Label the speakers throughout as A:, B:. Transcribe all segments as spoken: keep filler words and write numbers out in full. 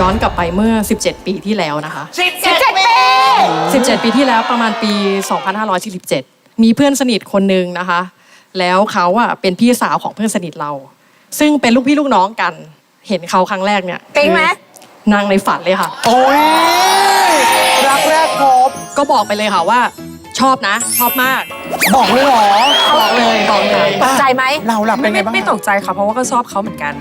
A: อนกลับไปเมื่อสิบเจ็ดปีที่แล้วนะคะ
B: สิบเจ็ดปี
A: สิบเจ็ดปีที่แล้วประมาณปีสองพันห้าร้อยสี่สิบเจ็ดมีเพื่อนสนิทคนนึงนะคะแล้วเขาอะเป็นพี่สาวของเพื่อนสนิทเราซึ่งเป็นลูกพี่ลูกน้องกันเห็นเขาครั้งแรกเนี่ย
B: ปิ๊งไหม
A: นางในฝันเลยค่ะ
C: โอ้ยรักแรกพบ
A: ก็บอกไปเลยค่ะว่าชอบนะชอบมาก
C: บอกเลยเหรอ
A: บอกเลยบอกเลย
B: ตกใจไหม
C: เราหลับเป็นไงบ้าง
D: ไม่ตกใจค่ะเพราะว่าก็ชอบเขาเหมือนกัน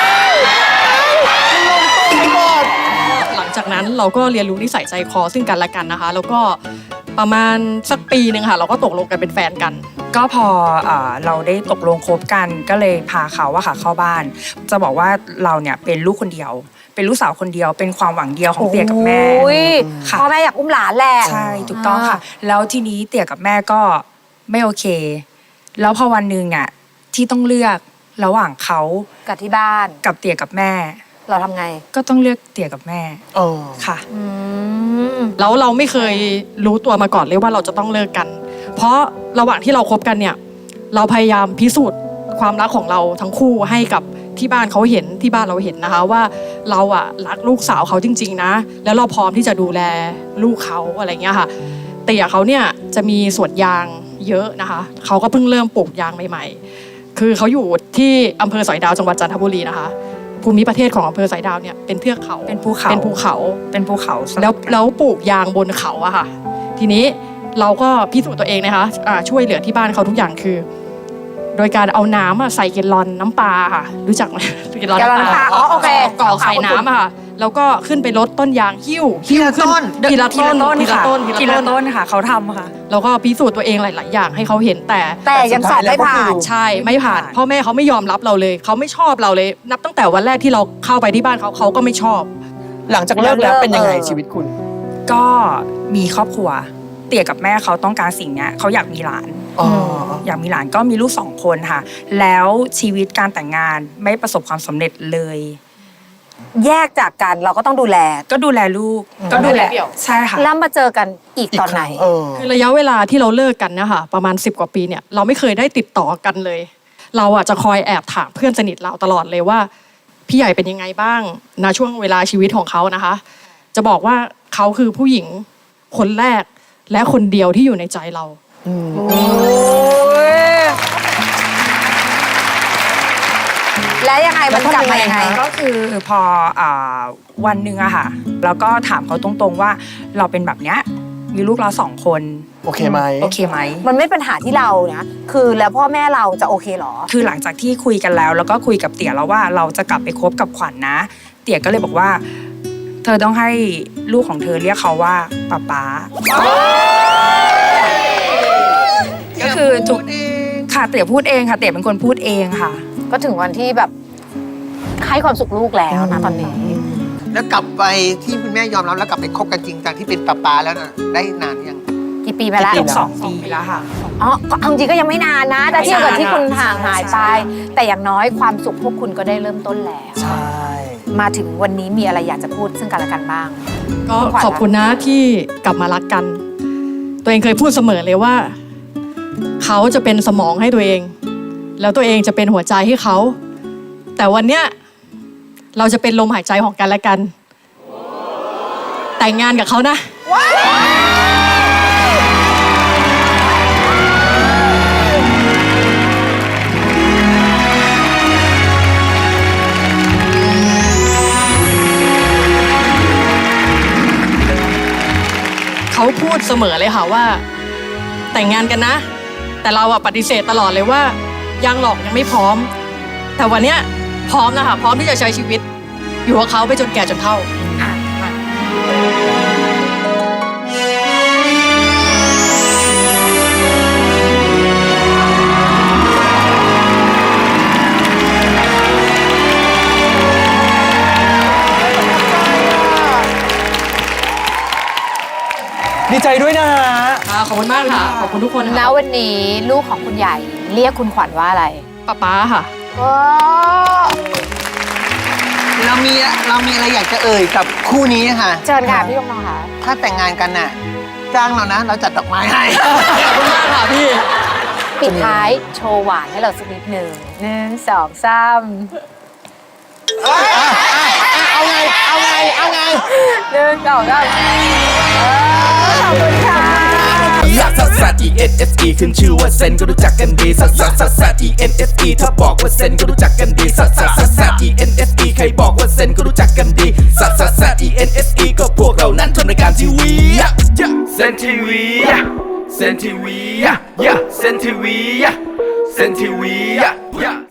A: หลังจากนั้นเราก็เรียนรู้นิสัยใจคอซึ่งกันและกันนะคะแล้วก็ประมาณสักปีหนึ่งค่ะเราก็ตกลงกันเป็นแฟนกัน
D: ก็พอเราได้ตกลงคบกันก็เลยพาเขาว่าค่ะเข้าบ้านจะบอกว่าเราเนี่ยเป็นลูกคนเดียวเป็นลูกสาวคนเดียวเป็นความหวังเดียวของเตี่ยกับแม่
B: พ่อแม่อยากอุ้มหลานแหละ
D: ใช่ถูกต้องค่ะแล้วทีนี้เตี่ยกับแม่ก็ไม่โอเคแล้วพอวันหนึ่งเนี่ยที่ต้องเลือกระหว่างเขา
B: กับที่บ้าน
D: กับเตี่ยกับแม่
B: เราทำไง
D: ก็ต้องเลือกเตี่ยกับแม่
C: เออ
D: ค่ะ
A: แล้วเราไม่เคยรู้ตัวมาก่อนเลยว่าเราจะต้องเลิกกันเพราะระหว่างที่เราคบกันเนี่ยเราพยายามพิสูจน์ความรักของเราทั้งคู่ให้กับที่บ้านเขาเห็นที่บ้านเราเห็นนะคะว่าเราอะรักลูกสาวเขาจริงๆนะแล้วเราพร้อมที่จะดูแลลูกเขาอะไรเงี้ยค่ะแต่อย่างเขาเนี่ยจะมีสวนยางเยอะนะคะเขาก็เพิ่งเริ่มปลูกยางใหม่ๆคือเขาอยู่ที่อำเภอสอยดาวจังหวัดจันทบุรีนะคะภูมิประเทศของอำเภอสอยดาวเนี่ยเป็นเทือกเขา
D: เป็นภูเขา
A: เป็นภูเขา
D: เป็นภูเขา
A: แล้วแล้วปลูกยางบนเขาอะค่ะทีนี้เราก็พิสูจน์ตัวเองนะคะช่วยเหลือที่บ้านเขาทุกอย่างคือโดยการเอาน้ำใส่เกลลอนน้ำปลาค่ะรู้จักไหม
B: เกลลอนน้ำปลาอ๋อโอเค
A: กรอกใส่น้ำค่ะแล้วก็ขึ้นไปรดต้นยางหิ้ว
C: ทีละต้น
A: ทีละต้นทีละต้น
D: ทีละต้นค่ะเขาทำค่ะ
A: แล้วก็พิสูจน์ตัวเองหลายๆอย่างให้เขาเห็นแต่
B: แต่ยังสอบไม่ผ่าน
A: ใช่ไม่ผ่านพ่อแม่เขาไม่ยอมรับเราเลยเขาไม่ชอบเราเลยนับตั้งแต่วันแรกที่เราเข้าไปที่บ้านเขาเขาก็ไม่ชอบ
C: หลังจากเลิกแล้วเป็นยังไงชีวิตคุณ
D: ก็มีครอบครัวเตี่ยกับแม่เขาต้องการสิ่งนี้เขาอยากมีหลานอยากมีหลานก็มีลูกสองคนค่ะแล้วชีวิตการแต่งงานไม่ประสบความสำเร็จเลย
B: แยกจากกันเราก็ต้องดูแล
D: ก็ดูแลลูกก็ดูแลใช่ค่ะ
B: แล้วมาเจอกันอีกตอนไหน
A: คือระยะเวลาที่เราเลิกกันเนี่ยค่ะประมาณสิบกว่าปีเนี่ยเราไม่เคยได้ติดต่อกันเลยเราอ่ะจะคอยแอบถามเพื่อนสนิทเราตลอดเลยว่าพี่ใหญ่เป็นยังไงบ้างณช่วงเวลาชีวิตของเขานะคะจะบอกว่าเขาคือผู้หญิงคนแรกและคนเดียวที่อยู่ในใจเรา
B: แล้วยังไงมันกลับมายังไง
D: ก็คือพอวันหนึ่งอะค่ะแล้วก็ถามเขาตรงๆว่าเราเป็นแบบเนี้ยมีลูกเราสองคน
C: โอเคไหม
D: โอเคไหม
B: มันไม่เป็นปัญหาที่เรานะคือแล้วพ่อแม่เราจะโอเคหรอ
D: คือหลังจากที่คุยกันแล้วแล้วก็คุยกับเตี่ยแล้วว่าเราจะกลับไปคบกับขวัญนะเตี่ยก็เลยบอกว่าเธอต้องให้ลูกของเธอเรียกเขาว่าป๊าป๊าก็คือถูกค่ะเตี่ยพูดเองค่ะเตี่ยเป็นคนพูดเองค่ะ
B: ก็ถึงวันที่แบบให้ความสุขลูกแล้วนะตอนนี้
C: แล้วกลับไปที่คุณแม่ยอมรับแล้วกลับไปคบกันจริงจังที่เป็นป๊าป๊าแล้วนะได้นานยัง
B: กี่ปีไปแล้ว
D: สองปีแล้วค่ะ
B: อ๋อเอาจริงก็ยังไม่นานนะแต่เทียบกับที่คุณห่างหายไปแต่อย่างน้อยความสุขพวกคุณก็ได้เริ่มต้นแล้ว
C: ใช่
B: มาถึงวันนี้มีอะไรอยากจะพูดซึ่งกันและกันบ้าง
A: ก็ขอบคุณนะที่กลับมารักกันตัวเองเคยพูดเสมอเลยว่าเขาจะเป็นสมองให้ตัวเองแล้วตัวเองจะเป็นหัวใจให้เขาแต่วันเนี้ยเราจะเป็นลมหายใจของกันและกันแต่งงานกับเขานะเขาพูดเสมอเลยค่ะว่าแต่งงานกันนะแต่เราอะปฏิเสธตลอดเลยว่ายังหรอกยังไม่พร้อมแต่วันเนี้ยพร้อมนะคะพร้อมที่จะใช้ชีวิตอยู่กับเขาไปจนแก่จนเฒ่า
C: ดีใจด้วยนะฮะ
A: ขอบคุณมากค่ะขอบคุณทุกคน
B: แล้ววันนี้ลูกของคุณใหญ่เรียกคุณขวัญว่าอะไร
A: ป๊าป๊าค่ะ
C: เรามีเรามีอะไรอยากจะเอ่ยกับคู่นี้ค่ะ
B: เชิญค่ะพี่ยงน้องค่ะ
C: ถ้าแต่งงานกันน่ะจ้างเรานะเราจัดดอกไม้ให้
A: ขอบคุณมากค่ะพี่
B: ปิดท้ายโชว์หวานให้เราสักนิดหนึ่งหนึ่งสองสาม
C: เอาไงเอาไง
B: หนึ่งสองสามเออขอบคุณค่ะ
E: ลักซัสซัส E N S E ขึ้นชื่อว่าเซนก็รู้จักกันดีซัสซัสซัสซัส E N S E ถ้าบอกว่าเซนก็รู้จักกันดีซัสซัสซัสซัส E N S E ใครบอกว่าเซนก็รู้จักกันดีซัสซัสซัส E N S E ก็พวกเรานั้นทำรายการทีวีเซนทีวีเซนทีวีเซนทีวีเซนทีวี